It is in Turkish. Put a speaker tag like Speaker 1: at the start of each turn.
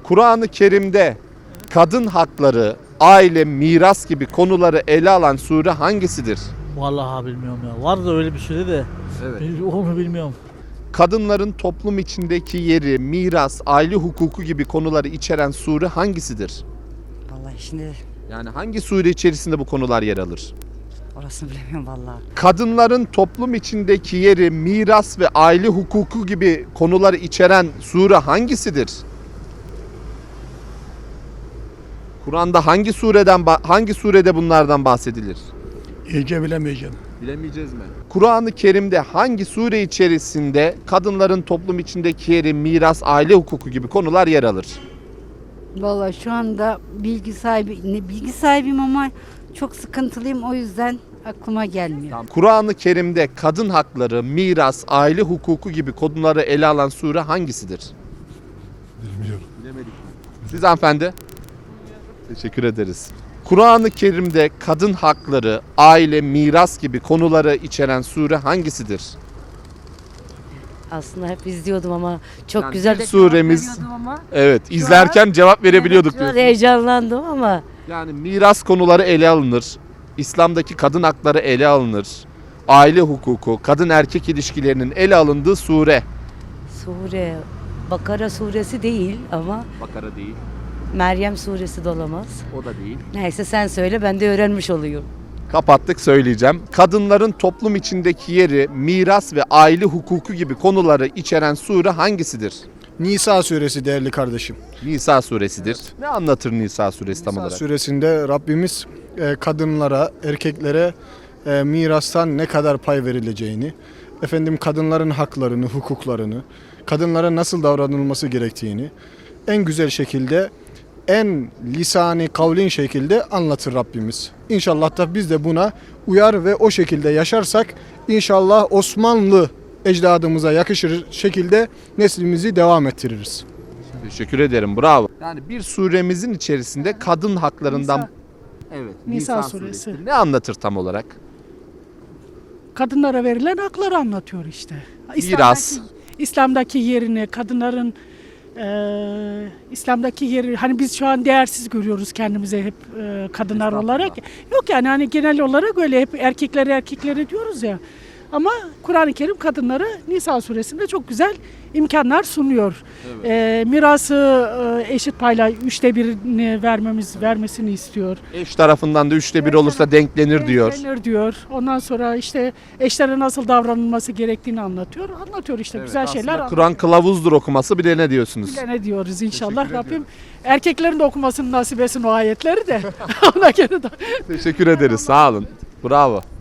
Speaker 1: Kur'an-ı Kerim'de kadın hakları, aile, miras gibi konuları ele alan sure hangisidir?
Speaker 2: Vallahi bilmiyorum ya. Var da öyle bir sure de.
Speaker 1: Evet.
Speaker 2: Onu bilmiyorum.
Speaker 1: Kadınların toplum içindeki yeri, miras, aile hukuku gibi konuları içeren sure hangisidir?
Speaker 3: Vallahi şimdi
Speaker 1: Yani hangi sure içerisinde bu konular yer alır?
Speaker 3: orasını bilemiyorum vallahi.
Speaker 1: Kadınların toplum içindeki yeri, miras ve aile hukuku gibi konuları içeren sure hangisidir? Kur'an'da hangi surede bunlardan bahsedilir?
Speaker 4: İyice bilemeyeceğim.
Speaker 1: Bilemeyeceğiz mi? Kur'an-ı Kerim'de hangi sure içerisinde kadınların toplum içindeki yeri, miras, aile hukuku gibi konular yer alır?
Speaker 5: Vallahi şu anda bilgi sahibiyim ama çok sıkıntılıyım, o yüzden aklıma gelmiyor.
Speaker 1: Kur'an-ı Kerim'de kadın hakları, miras, aile hukuku gibi konuları ele alan sure hangisidir?
Speaker 4: Bilmiyorum.
Speaker 1: Bilemedik mi? Siz hanımefendi? Teşekkür ederiz. Kur'an-ı Kerim'de kadın hakları, aile, miras gibi konuları içeren sure hangisidir?
Speaker 6: Aslında hep izliyordum ama çok
Speaker 1: Yani
Speaker 6: güzel
Speaker 1: bir
Speaker 6: de
Speaker 1: suremiz-
Speaker 6: cevap veriyordum ama.
Speaker 1: Evet, izlerken cevap verebiliyorduk
Speaker 6: Şu an
Speaker 1: diyorsunuz.
Speaker 6: heyecanlandım ama
Speaker 1: Yani miras konuları ele alınır. İslam'daki kadın hakları ele alınır. Aile hukuku, kadın erkek ilişkilerinin ele alındığı sure.
Speaker 6: sure Bakara suresi değil ama
Speaker 1: Bakara değil,
Speaker 6: Meryem suresi de olamaz.
Speaker 1: o da değil.
Speaker 6: Neyse sen söyle, ben de öğrenmiş oluyorum.
Speaker 1: Kapattık, söyleyeceğim. Kadınların toplum içindeki yeri, miras ve aile hukuku gibi konuları içeren sure hangisidir?
Speaker 4: Nisa suresi değerli kardeşim.
Speaker 1: Nisa suresidir. Ne anlatır Nisa suresi tam
Speaker 4: Nisa
Speaker 1: olarak?
Speaker 4: suresinde Rabbimiz kadınlara, erkeklere mirastan ne kadar pay verileceğini, kadınların haklarını, hukuklarını, kadınlara nasıl davranılması gerektiğini en güzel şekilde, en lisani kavlin şekilde anlatır Rabbimiz. İnşallah da biz de buna uyar ve o şekilde yaşarsak inşallah Osmanlı ecdadımıza yakışır şekilde neslimizi devam ettiririz.
Speaker 1: Teşekkür ederim, bravo. Yani bir suremizin içerisinde kadın haklarından... Evet,
Speaker 7: Nisa suresi.
Speaker 1: Ne anlatır tam olarak?
Speaker 7: Kadınlara verilen hakları anlatıyor işte.
Speaker 1: Miras.
Speaker 7: İslam'daki yerini, kadınların İslam'daki yeri, hani biz şu an değersiz görüyoruz kendimize hep kadınlar olarak. Yok yani hani genel olarak öyle hep erkeklere diyoruz ya. Ama Kur'an-ı Kerim kadınlara Nisa suresinde çok güzel imkanlar sunuyor. Mirası eşit payla 1/3'ünü vermesini istiyor.
Speaker 1: Eş tarafından da 1/3 olursa denklenir diyor.
Speaker 7: Denklenir diyor. Ondan sonra işte eşlere nasıl davranılması gerektiğini anlatıyor. Anlatıyor işte
Speaker 1: Evet,
Speaker 7: güzel
Speaker 1: aslında
Speaker 7: şeyler.
Speaker 1: Kur'an kılavuzdur okuması, bir de ne diyorsunuz?
Speaker 7: Bile ne diyoruz inşallah.
Speaker 1: Teşekkür
Speaker 7: Rabbim erkeklerin de okumasını nasip etsin o ayetleri de. Ona göre de.
Speaker 1: Teşekkür ederiz, sağ olun. Bravo.